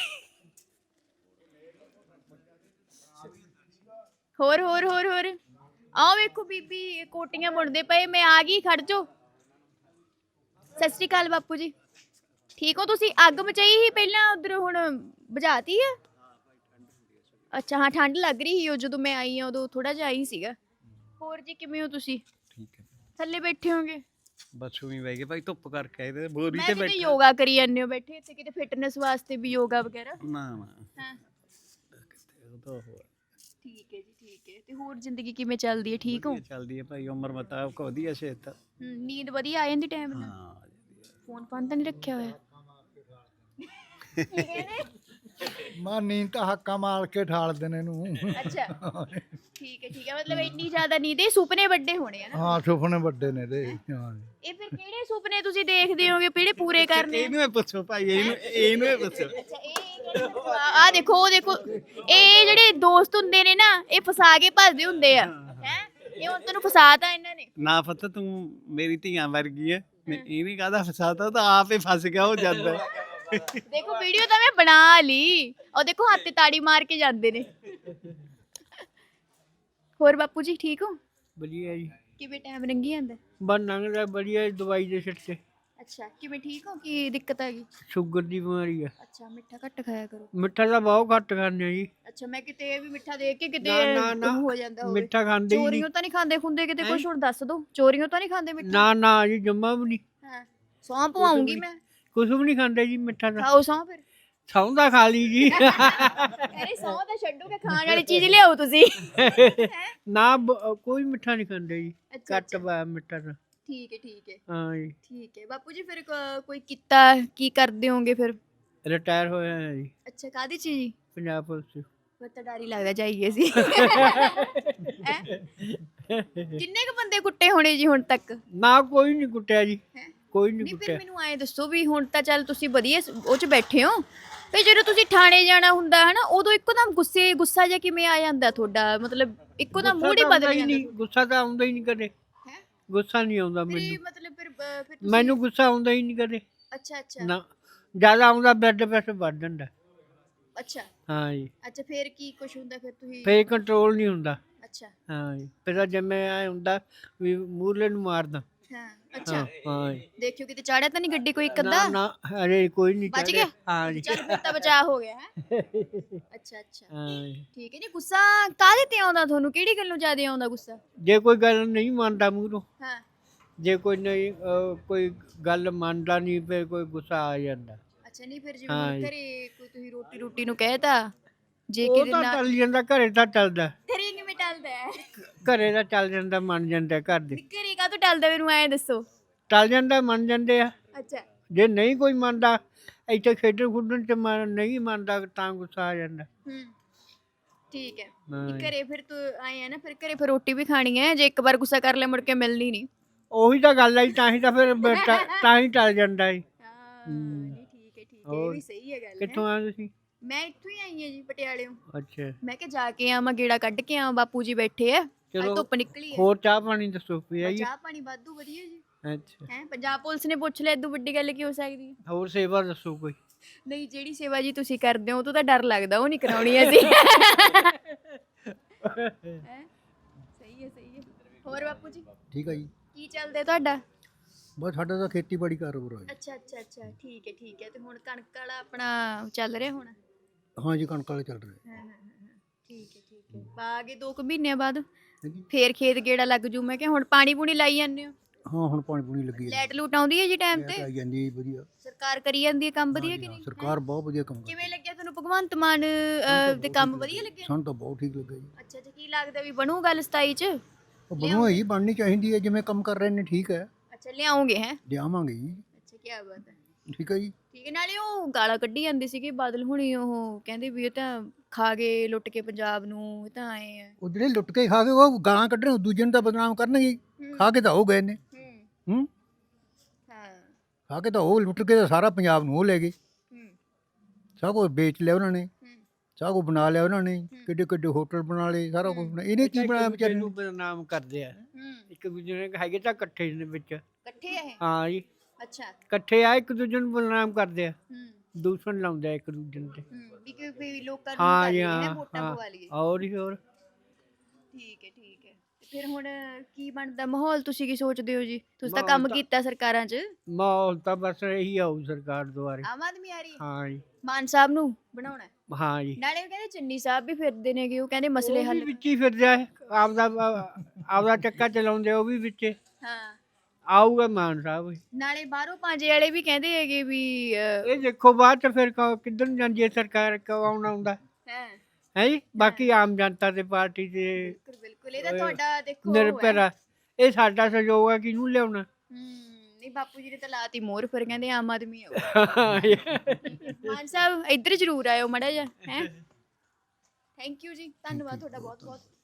S2: ਹੋਰ ਹੋਰ ਹੋਰ ਹੋਰ ਆਓ ਵੇਖੋ ਬੀਬੀ ਕੋਟੀਆਂ ਬੁਣਦੇ ਪਏ ਮੈਂ ਆ ਗਈ ਖੜ ਜੋ ਸਤਿ ਸ਼੍ਰੀ ਅਕਾਲ ਬਾਪੂ ਜੀ ਠੀਕ ਹੋ ਤੁਸੀਂ ਅੱਗ ਮਚਾਈ ਸੀ ਪਹਿਲਾਂ ਉਧਰ ਹੁਣ ਬੁਝਾਤੀ ਆ ਅੱਛਾ ਹਾਂ ਠੰਡ ਲੱਗ ਰਹੀ ਸੀ ਉਹ ਜਦੋਂ ਮੈਂ ਆਈ ਆ ਉਦੋਂ ਥੋੜਾ ਜਿਹਾ ਆਈ ਸੀਗਾ ਹੋਰ ਜੀ ਕਿਵੇਂ ਹੋ ਤੁਸੀਂ
S6: ਠੀਕ ਹੈ
S2: ਥੱਲੇ ਬੈਠੇ ਹੋਗੇ
S6: ਬਸ ਉਵੇਂ ਬਹਿ ਗਏ ਭਾਈ ਧੁੱਪ ਕਰਕੇ ਆਏ ਤੇ ਬੋਰੀ
S2: ਮੈਂ
S6: ਤੇ
S2: ਕਿਤੇ
S6: ਬੈਠੇ
S2: ਯੋਗਾ ਕਰੀ ਜਾਂਦੇ ਹੋ ਬੈਠੇ ਇੱਥੇ ਕਿਤੇ ਫਿਟਨੈਸ ਵਾਸਤੇ ਵੀ ਯੋਗਾ ਵਗੈਰਾ
S6: ਨਾ ਨਾ
S2: ਹਾਂ
S6: ਕਿਤੇ ਉਹ ਤਾਂ ਹੋਰ
S2: ਠੀਕ ਹੈ ਜੀ ਠੀਕ ਹੈ ਤੇ ਹੋਰ ਜ਼ਿੰਦਗੀ ਕਿਵੇਂ ਚੱਲਦੀ ਹੈ ਠੀਕ ਹੋ
S6: ਵਧੀਆ ਚੱਲਦੀ ਹੈ ਭਾਈ ਉਮਰ ਮੁਤਾਬਕ ਵਧੀਆ ਸਿਹਤ
S2: ਹਮ, ਨੀਂਦ ਵਧੀਆ ਆ ਜਾਂਦੀ ਟਾਈਮ ਨਾਲ
S6: ਹਾਂ
S2: ਫੋਨ ਫਾਨ ਤਾਂ ਨਹੀਂ ਰੱਖਿਆ ਹੋਇਆ ਕੀ ਕਹਿੰਦੇ
S7: ਮਾਂ ਨੀਂਦ ਤਾਂ ਹੱਕਾ ਮਾਰ ਕੇ ਠਾਲਦੇ ਨੇ ਇਹਨੂੰ
S2: ਅੱਛਾ ਠੀਕ ਹੈ ਠੀਕ ਹੈ ਮਤਲਬ ਇੰਨੀ ਜ਼ਿਆਦਾ ਨੀਂਦ ਇਹ ਸੁਪਨੇ ਵੱਡੇ ਹੋਣੇ ਆ ਨਾ
S7: ਹਾਂ ਸੁਪਨੇ ਵੱਡੇ ਨੇ ਦੇ ਹਾਂ
S2: ਇਹ ਫਿਰ ਕਿਹੜੇ ਸੁਪਨੇ ਤੁਸੀਂ ਦੇਖਦੇ ਹੋਗੇ ਕਿਹੜੇ ਪੂਰੇ ਕਰਨੇ ਆ?
S6: ਇਹਨੂੰ ਹੀ ਪੁੱਛੋ ਭਾਈ ਇਹਨੂੰ ਇਹਨੂੰ ਹੀ ਪੁੱਛੋ
S2: ਅੱਛਾ ਇਹ ਆ ਦੇਖੋ ਉਹ ਦੇਖੋ ਇਹ ਜਿਹੜੇ ਦੋਸਤ ਹੁੰਦੇ ਨੇ ਨਾ ਇਹ ਫਸਾ ਕੇ ਭੱਜਦੇ ਹੁੰਦੇ ਆ ਹੈ ਇਹ ਹੁਣ ਤੈਨੂੰ ਫਸਾਤਾ ਇਹਨਾਂ ਨੇ
S6: ਨਾ ਪਤਾ ਤੂੰ ਮੇਰੀ ਧੀਆਂ ਵਰਗੀ ਹੈ ਮੈਂ ਇਹ ਨਹੀਂ ਕਹਦਾ ਫਸਾਤਾ ਤਾਂ ਆਪ ਹੀ ਫਸ ਗਿਆ ਹੋ ਜਾਂਦਾ ਹੈ।
S2: ਦੇਖੋ ਵੀਡੀਓ ਤਾਂ ਮੈਂ ਬਣਾ ਲਈ ਉਹ ਦੇਖੋ ਹੱਥ ਤੇ ਤਾੜੀ ਮਾਰ ਕੇ ਜਾਂਦੇ ਨੇ ਹੋਰ ਬਾਪੂ ਜੀ ਠੀਕ ਹੋ
S3: ਵਧੀਆ ਜੀ
S2: ਕਿਵੇਂ ਟਾਈਮ ਲੰਘੀ ਜਾਂਦਾ
S3: ਬਸ ਲੰਘਦਾ ਵਧੀਆ ਦਵਾਈ ਦੇ ਸਿਰ ਤੇ
S2: ਅੱਛਾ ਕਿਵੇਂ ਠੀਕ ਹੋ ਕੀ ਦਿੱਕਤ ਆ ਗਈ
S3: ਸ਼ੂਗਰ ਦੀ ਬਿਮਾਰੀ ਆ
S2: ਅੱਛਾ ਮਿੱਠਾ ਘੱਟ ਖਾਇਆ ਕਰੋ
S3: ਮਿੱਠਾ ਤਾਂ ਬਹੁਤ ਘੱਟ ਖਾਂਦੇ ਆ ਜੀ
S2: ਅੱਛਾ ਮੈਂ ਕਿਤੇ ਇਹ ਵੀ ਮਿੱਠਾ ਦੇਖ ਕੇ ਕਿਤੇ
S3: ਨਾ, ਨਾ, ਨਾ।
S2: ਉਹ ਹੋ ਜਾਂਦਾ ਹੋਵੇ
S3: ਮਿੱਠਾ ਖਾਂਦੇ ਹੀ ਨਹੀਂ
S2: ਚੋਰੀਆਂ ਤਾਂ ਨਹੀਂ ਖਾਂਦੇ ਖੁੰਦੇ ਕਿਤੇ ਕੁਝ ਹੁਣ ਦੱਸ ਦੋ ਚੋਰੀਆਂ ਤਾਂ ਨਹੀਂ ਖਾਂਦੇ ਮਿੱਠਾ
S3: ਨਾ ਨਾ ਜੀ ਜੰਮਾ ਵੀ ਨਹੀਂ
S2: ਹਾਂ ਸੌਂ ਪਵਾਉਂਗੀ ਮੈਂ
S3: ਕੁਝ ਵੀ ਨਹੀਂ ਖਾਂਦੇ ਜੀ ਮਿੱਠਾ ਤਾਂ
S2: ਖਾਓ ਸੌਂ ਫਿਰ
S3: ਸੌਂਦਾ ਖਾ ਲਈ ਜੀ
S2: ਅਰੇ ਸੌਂ ਤਾਂ ਛੱਡੋ ਕਿ ਖਾਣ ਵਾਲੀ ਚੀਜ਼ ਲਿਆਓ ਤੁਸੀਂ
S3: ਨਾ ਬ- ਕੋਈ ਮਿੱਠਾ ਨਹੀਂ ਖਾਂਦੇ ਜੀ
S2: ਅੱਛਾ,
S3: ਘੱਟ ਵਾ ਮਿੱਠਾ ਤਾਂ
S2: ਠੀਕ ਹੈ ਠੀਕ ਹੈ
S3: ਹਾਂ ਜੀ
S2: ਠੀਕ ਹੈ ਬਾਪੂ ਜੀ ਫਿਰ ਕ- ਕੋਈ ਕੀਤਾ ਕੀ ਕਰਦੇ ਹੋਗੇ ਫਿਰ
S3: ਰਿਟਾਇਰ ਹੋਇਆ ਹੈ ਜੀ
S2: ਅੱਛਾ ਕਾਦੀ ਚੀਜ਼ ਜੀ
S3: ਪੰਜਾਬ ਪੁਲਿਸ ਚ
S2: ਫਿਰ ਤਾਂ ਡਰ ਹੀ ਲੱਗਦਾ ਜਾਈਏ ਸੀ ਹੈਂ? ਕਿੰਨੇ ਕ ਬੰਦੇ ਕੁੱਟੇ ਹੋਣੇ ਜੀ ਹੁਣ ਤੱਕ
S3: ਨਾ ਕੋਈ ਨਹੀਂ ਕੁੱਟਿਆ ਜੀ
S2: ਹੈਂ?
S3: ਕੋਈ ਨਹੀਂ
S2: ਨਹੀਂ ਫਿਰ
S3: ਕੁੱਟਿਆ
S2: ਮੈਨੂੰ ਐਂ ਦੱਸੋ ਵੀ ਹੁਣ ਤਾਂ ਚੱਲ ਤੁਸੀਂ ਵਧੀਆ ਸ- ਉਹ ਚ ਬੈਠੇ ਹੋ ਤੇ ਜਦੋਂ ਤੁਸੀਂ ਥਾਣੇ ਜਾਣਾ ਹੁੰਦਾ ਹੈ ਨਾ ਉਦੋਂ ਇੱਕੋਦਮ ਗੁੱਸੇ ਗੁੱਸਾ ਜਿਹਾ ਕਿਵੇਂ ਆ ਜਾਂਦਾ ਤੁਹਾਡਾ ਮਤਲਬ ਇੱਕੋਦਮ ਮੂਡ ਹੀ
S3: ਗੁੱਸਾ ਤਾਂ
S2: ਬਦਲ
S3: ਆਉਂਦਾ ਹੀ
S2: ਜਾਂਦਾ
S3: ਨਹੀਂ ਗੁੱਸਾ ਤਾਂ ਆਉਂਦਾ ਹੀ ਨਹੀਂ ਕਦੇ
S2: ਹੈ
S3: ਗੁੱਸਾ ਨਹੀਂ ਆਉਂਦਾ
S2: ਫਿਰ
S3: ਮੈਨੂੰ
S2: ਮਤਲਬ ਫਿਰ ਅ, ਫਿਰ ਤੁਸੀਂ
S3: ਮੈਨੂੰ ਗੁੱਸਾ ਆਉਂਦਾ ਹੀ ਨਹੀਂ ਕਦੇ
S2: ਅੱਛਾ ਅੱਛਾ
S3: ਨਾ ਜਿਆਦਾ ਆਉਂਦਾ ਬਲੱਡ ਪ੍ਰੈਸ਼ਰ ਵੱਧ ਜਾਂਦਾ
S2: ਅੱਛਾ
S3: ਹਾਂ ਜੀ
S2: ਅੱਛਾ ਫਿਰ ਕੀ ਕੁਝ ਹੁੰਦਾ ਫਿਰ ਤੁਸੀਂ
S3: ਫੇਰ ਕੰਟਰੋਲ ਨਹੀਂ ਹੁੰਦਾ
S2: ਅੱਛਾ
S3: ਹਾਂ ਜੀ ਫਿਰ ਤਾਂ ਜਿਵੇਂ ਐ ਹੁੰਦਾ ਵੀ ਮੂਰਲੇ ਨੂੰ ਮਾਰਦਾ
S2: ਹਾਂ ਅੱਛਾ
S3: ਹਾਂ ਹਾਂ ਜੀ
S2: ਦੇਖਿਓ ਕਿਤੇ ਚਾੜਿਆ ਤਾਂ ਨਹੀਂ ਗੱਡੀ ਕੋਈ ਇੱਕ
S3: ਨਾ
S2: ਅੱਧਾ
S3: ਨਾ ਅਰੇ ਕੋਈ ਨਹੀਂ
S2: ਬਚ
S3: ਚੜ੍ਹਿਆ।
S2: ਗਿਆ?
S3: ਹਾਂ ਜੀ
S2: ਚੱਲ ਫਿਰ ਤਾਂ ਬਚਾਅ ਹੋ ਗਿਆ ਹੈ ਅੱਛਾ ਅੱਛਾ
S3: ਹਾਂ ਜੀ
S2: ਠੀਕ ਹੈ ਜੀ ਗੁੱਸਾ ਕਾਹਦੇ ਤੇ ਆਉਂਦਾ ਤੁਹਾਨੂੰ ਕਿਹੜੀ ਗੱਲੋਂ ਜ਼ਿਆਦਾ ਆਉਂਦਾ ਗੁੱਸਾ
S3: ਜੇ ਕੋਈ ਗੱਲ ਨਹੀਂ ਮੰਨਦਾ ਮੂਹਰੋਂ
S2: ਹਾਂ
S5: ਜੇ ਕੋਈ ਨਹੀਂ ਅਹ, ਕੋਈ ਗੱਲ ਮੰਨਦਾ ਨਹੀਂ ਫਿਰ ਕੋਈ ਗੁੱਸਾ ਆ ਜਾਂਦਾ
S2: ਅੱਛਾ ਨਹੀਂ ਫਿਰ ਜਿਵੇਂ
S5: ਹਾਂ
S2: ਹੁਣ
S5: ਜੀ।
S2: ਘਰੇ ਕੋਈ ਤੁਸੀਂ ਰੋਟੀ ਰੋਟੀ ਨੂੰ ਕਹਿਤਾ ਜੇ
S5: ਉਹ
S2: ਕਿਤੇ
S5: ਤਾਂ
S2: ਨਾ
S5: ਚੱਲ ਜਾਂਦਾ ਘਰੇ ਤਾਂ ਚੱਲਦਾ
S2: ਘਰੇ ਕਿਵੇਂ ਟਲਦਾ ਹੈ
S5: ਘਰੇ ਤਾਂ ਚੱਲ ਜਾਂਦਾ ਮੰਨ ਜਾਂਦੇ ਘਰ ਦੇ
S2: ਘਰੇ ਕਾ ਤੋਂ ਟਲਦਾ ਮੈਨੂੰ ਐਂ ਦੱਸੋ
S5: ਚੱਲ ਜਾਂਦਾ ਮੰਨ ਜਾਂਦੇ ਆ
S2: ਅੱਛਾ
S5: ਜੇ ਨਹੀਂ ਕੋਈ ਮੰਨਦਾ ਇੱਥੇ ਖੇਡਣ ਖੁੱਡਣ ਚ ਮਨ ਨਹੀਂ ਮੰਨਦਾ ਤਾਂ ਗੁੱਸਾ ਆ ਜਾਂਦਾ
S2: ਹੂੰ ਠੀਕ ਹੈ
S5: ਹਾਂ
S2: ਵੀ
S5: ਜੀ।
S2: ਘਰੇ ਫਿਰ ਤੂੰ ਆਏ ਆ ਨਾ ਫਿਰ ਘਰੇ ਫਿਰ ਰੋਟੀ ਵੀ ਖਾਣੀ ਹੈ ਜੇ ਇੱਕ ਵਾਰ ਗੁੱਸਾ ਕਰ ਲਿਆ ਮੁੜ ਕੇ ਮਿਲਣੀ ਨਹੀਂ
S5: ਉਹੀ ਤਾਂ ਗੱਲ ਹੈ ਜੀ, ਤਾਂ ਹੀ ਤਾਂ ਫਿਰ ਬ- ਤਾਂ- ਤਾਂ ਹੀ ਚੱਲ ਜਾਂਦਾ ਜੀ
S2: ਹਾਂ ਨਹੀਂ ਠੀਕ ਹੈ ਠੀਕ ਹੈ ਇਹ
S5: ਹੋਰ
S2: ਵੀ ਸਹੀ ਹੈ ਗੱਲ
S5: ਕਿੱਥੋਂ ਆ ਤੁਸੀਂ
S2: ਮੈਂ ਇੱਥੋਂ ਹੀ ਆਈ ਹਾਂ ਜੀ ਪਟਿਆਲਿਓਂ
S5: ਅੱਛਾ
S2: ਮੈਂ ਕਿਹਾ ਜਾ ਕੇ ਆਵਾਂ ਗੇੜਾ ਕੱਢ ਕੇ ਆਵਾਂ ਬਾਪੂ ਜੀ ਬੈਠੇ ਆ ਅੱਜ
S5: ਚਲੋ
S2: ਧੁੱਪ ਨਿਕਲੀ ਹੈ
S5: ਹੋਰ ਚਾਹ ਪਾਣੀ ਦੱਸੋ ਵੀ ਆਈਏ
S2: ਚਾਹ ਪਾਣੀ ਵਾਧੂ ਵਧੀਆ ਜੀ
S5: ਅੱਛਾ
S2: ਹੈ ਪੰਜਾਬ ਪੁਲਿਸ ਨੇ ਪੁੱਛ ਲਿਆ ਇਦੋਂ ਵੱਡੀ ਗੱਲ ਕੀ ਹੋ ਸਕਦੀ ਹੈ
S5: ਹੋਰ ਸੇਵਾ ਦੱਸੋ ਕੋਈ
S2: ਨਹੀਂ ਜਿਹੜੀ ਸੇਵਾ ਜੀ ਤੁਸੀਂ ਕਰਦੇ ਹੋ ਉਹ ਤੋਂ ਤਾਂ ਡਰ ਲੱਗਦਾ ਉਹ ਨਹੀਂ ਕਰਾਉਣੀ ਅਸੀਂ ਹੈਂ? ਸਹੀ ਹੈ ਸਹੀ ਹੈ ਹੋਰ ਬਾਪੂ ਜੀ
S7: ਠੀਕ ਆ ਜੀ
S2: ਕੀ ਚੱਲਦਾ ਤੁਹਾਡਾ
S7: ਬਸ ਸਾਡਾ ਤਾਂ ਖੇਤੀਬਾੜੀ ਕਾਰੋਬਾਰ ਆ ਜੀ
S2: ਅੱਛਾ ਅੱਛਾ ਅੱਛਾ ਠੀਕ ਹੈ ਠੀਕ ਹੈ ਤੇ ਹੁਣ ਕਣਕ ਵਾਲਾ ਆਪਣਾ ਚੱਲ ਰਿਹਾ ਹੁਣ
S7: ਹਾਂ ਜੀ ਕਣਕ ਵਾਲੇ ਚੱਲ ਰਹੇ
S2: ਹਾਂ ਹਾਂ ਹਾਂ ਠੀਕ ਹੈ ਠੀਕ ਹੈ ਬਾਗੇ ਦੋ ਕੁ ਮਹੀਨਿਆਂ ਬਾਅਦ
S7: ਹਾਂਜੀ।
S2: ਫੇਰ ਖੇਤ ਗੇੜਾ ਲੱਗ ਜੂ ਮੈਂ ਕਿਹਾ ਹੁਣ ਪਾਣੀ ਪੂਣੀ ਲਾਈ ਜਾਂਦੇ ਹੋ
S7: ਹਾਂ ਹੁਣ ਪਾਣੀ ਪੂਣੀ ਲੱਗੀ ਹੈ
S2: ਲੈਟ ਲੂਟ ਆਉਂਦੀ ਹੈ ਜੀ ਟਾਈਮ
S7: ਲਾਈਟ
S2: ਤੇ
S7: ਆਈ ਜਾਂਦੀ ਹੈ ਵਧੀਆ
S2: ਸਰਕਾਰ ਕਰੀ ਜਾਂਦੀ ਹੈ ਕੰਮ ਵਧੀਆ
S7: ਹਾਂਜੀ,
S2: ਕਿ
S7: ਹਾਂ,
S2: ਨਹੀਂ
S7: ਸਰਕਾਰ ਬਹੁਤ ਵਧੀਆ ਕੰਮ ਕਰਦੀ
S2: ਕਿਵੇਂ ਲੱਗਿਆ ਤੁਹਾਨੂੰ ਭਗਵੰਤ ਮਾਨ ਅਹ, ਦੇ ਕੰਮ ਵਧੀਆ ਲੱਗੇ
S7: ਸਾਨੂੰ ਤਾਂ ਬਹੁਤ ਠੀਕ ਲੱਗਾ ਜੀ
S2: ਅੱਛਾ ਅੱਛਾ ਕੀ ਲੱਗਦਾ ਵੀ ਬਣੂ ਗੱਲ ਸਤਾਈ ਚ
S7: ਉਹ ਬਣੋ ਜੀ ਬਣਨੀ ਚਾਹੀਦੀ ਹੈ ਜਿਵੇਂ ਕੰਮ ਕਰ ਰਹੇ ਨੇ ਠੀਕ ਹੈ
S2: ਅੱਛਾ ਲਿਆਉਂਗੇ ਹੈ
S7: ਲਿਆਵਾਂਗੇ ਜੀ
S2: ਅੱਛਾ ਕੀ ਬਾਤ ਹੈ
S7: ਠੀਕ ਹੈ ਜੀ
S2: ਠੀਕ ਹੈ ਨਾਲੇ ਉਹ ਗਾਲਾਂ ਕੱਢੀ ਜਾਂਦੇ ਸੀਗੇ ਬਾਦਲ ਹੁਣੀ ਉਹ ਕਹਿੰਦੇ ਵੀ ਇਹ ਤਾਂ ਖਾ ਗਏ ਲੁੱਟ ਕੇ ਪੰਜਾਬ ਨੂੰ ਇਹ ਤਾਂ ਆਏ ਆ
S7: ਉਹ ਜਿਹੜੇ ਲੁੱਟ ਕੇ ਖਾ ਕੇ ਉਹ ਗਾਲਾਂ ਕੱਢਣ ਉਹ ਦੂਜੇ ਨੂੰ ਤਾਂ ਬਦਨਾਮ ਕਰਨਗੇ ਹੀ। ਖਾ ਕੇ ਤਾਂ ਉਹ ਗਏ ਨੇ
S2: ਹੂੰ
S7: ਹੂੰ
S2: ਹਾਂ
S7: ਖਾ ਕੇ ਤਾਂ ਉਹ ਲੁੱਟ ਕੇ ਤਾਂ ਸਾਰਾ ਪੰਜਾਬ ਨੂੰ ਉਹ ਲੈ ਗਏ
S2: ਹੂੰ
S7: ਸਭ ਕੁਝ ਵੇਚ ਲਿਆ ਉਹਨਾਂ ਨੇ
S2: ਹੂੰ
S7: ਸਭ ਕੁਝ ਬਣਾ ਲਿਆ ਉਹਨਾਂ ਨੇ ਕਿੱਡੇ ਕਿੱਡੇ ਹੋਟਲ ਬਣਾ ਲਏ ਸਾਰਾ ਕੁਝ ਬਣਾ ਇਹਨੇ ਕੀ ਬਣਾਇਆ ਵਿਚਾਰੇ
S5: ਨੂੰ
S7: ਨੂੰ
S5: ਬਦਨਾਮ ਕਰਦੇ ਆ
S2: ਹੂੰ
S5: ਇੱਕ ਦੂਜੇ ਨੇ ਹੈਗੇ ਤਾਂ ਇਕੱਠੇ ਦੇ ਵਿੱਚ
S2: ਇਕੱਠੇ ਆ ਇਹ
S5: ਹਾਂ ਜੀ
S2: ਅੱਛਾ
S5: ਇਕੱਠੇ ਆ ਇੱਕ ਦੂਜੇ ਨੂੰ ਬਦਨਾਮ ਕਰਦੇ ਆ
S2: ਹੂੰ
S5: ਦੂਸ਼ਣ ਲਾਉਂਦੇ ਆ ਇੱਕ ਦੂਜੇ ਨੂੰ ਤੇ
S2: ਹੂੰ ਵੀ ਕਿ ਵੀ ਲੋਕਾਂ ਨੂੰ
S5: ਹਾਂ
S2: ਕਰ
S5: ਜੀ
S2: ਲਈਏ
S5: ਹਾਂ
S2: ਹੈ ਵੋਟਾਂ
S5: ਹਾਂ
S2: ਪਵਾ ਲਈਏ
S5: ਹੋਰ ਹੀ ਹੋਰ
S2: ਠੀਕ ਹੈ ਠੀਕ ਹੈ ਤੇ ਫਿਰ ਹੁਣ ਕੀ ਬਣਦਾ ਮਾਹੌਲ ਤੁਸੀਂ ਕੀ ਸੋਚਦੇ ਹੋ ਜੀ ਤੁਸੀਂ ਤਾਂ
S5: ਮਾਹੌਲ
S2: ਕੰਮ
S5: ਤਾਂ-
S2: ਕੀਤਾ ਸਰਕਾਰਾਂ 'ਚ
S5: ਮਾਹੌਲ ਤਾਂ ਬਸ ਇਹੀ ਆਊ ਸਰਕਾਰ ਦੁਆਰੇ
S2: ਆਮ ਆਦਮੀ ਆ ਰਹੀ ਹੈ
S5: ਹਾਂ ਜੀ
S2: ਮਾਨ ਸਾਹਿਬ ਨੂੰ ਬਣਾਉਣਾ ਹੈ।
S5: ਹਾਂ ਜੀ
S2: ਨਾਲੇ ਉਹ ਕਹਿੰਦੇ ਚੰਨੀ ਸਾਹਿਬ ਵੀ ਫਿਰਦੇ ਨੇਗੇ ਉਹ ਕਹਿੰਦੇ ਮਸਲੇ
S5: ਉਹ ਵੀ
S2: ਹੱਲ
S5: ਵਿੱਚ ਹੀ ਫਿਰ ਜਾਏ ਆਪਦਾ ਆਪਦਾ ਚੱਕਾ ਚਲਾਉਂਦੇ ਉਹ ਵੀ ਵਿੱਚੇ
S2: ਹਾਂ
S5: ਆਊਗਾ ਮਾਨ ਸਾਹਿਬ ਵੀ।
S2: ਨਾਲੇ ਬਾਹਰੋਂ ਪਾਂਜੇ ਵਾਲੇ ਵੀ ਕਹਿੰਦੇ ਹੈਗੇ ਵੀ ਅਹ,
S5: ਇਹ ਦੇਖੋ ਬਾਅਦ ਚ ਫਿਰ ਕ- ਕਿੱਧਰ ਨੂੰ ਜਾਂਦੀ ਹੈ ਸਰਕਾਰ ਕੌਣ ਆਉਂਦਾ
S2: ਹੈ
S5: ਹੈ ਜੀ ਬਾਕੀ ਆਮ ਜਨਤਾ ਦੇ ਪਾਰਟੀ ਦੇ
S2: ਬਿਲਕੁਲ ਬਿਲਕੁਲ ਇਹ ਤਾਂ ਤੁਹਾਡਾ ਦੇਖੋ ਉਹ
S5: ਨਿਰਭਰ
S2: ਹੈ।
S5: ਆ ਇਹ ਸਾਡਾ ਸਹਿਯੋਗ ਆ ਕਿਹਨੂੰ ਲਿਆਉਣਾ
S2: ਹੂੰ ਨਹੀਂ ਬਾਪੂ ਜੀ ਨੇ ਤਾਂ ਲਾਤੀ ਮੋਹਰ ਫਿਰ ਕਹਿੰਦੇ ਆਮ ਆਦਮੀ ਆਓ
S5: ਹਾਂ
S2: ਮਾਨ ਸਾਹਿਬ ਇੱਧਰ ਜ਼ਰੂਰ ਆਇਓ ਮੜਾ ਜਾ ਹੈ ਥੈਂਕ ਯੂ ਜੀ ਧੰਨਵਾਦ ਤੁਹਾਡਾ ਬਹੁਤ ਬਹੁਤ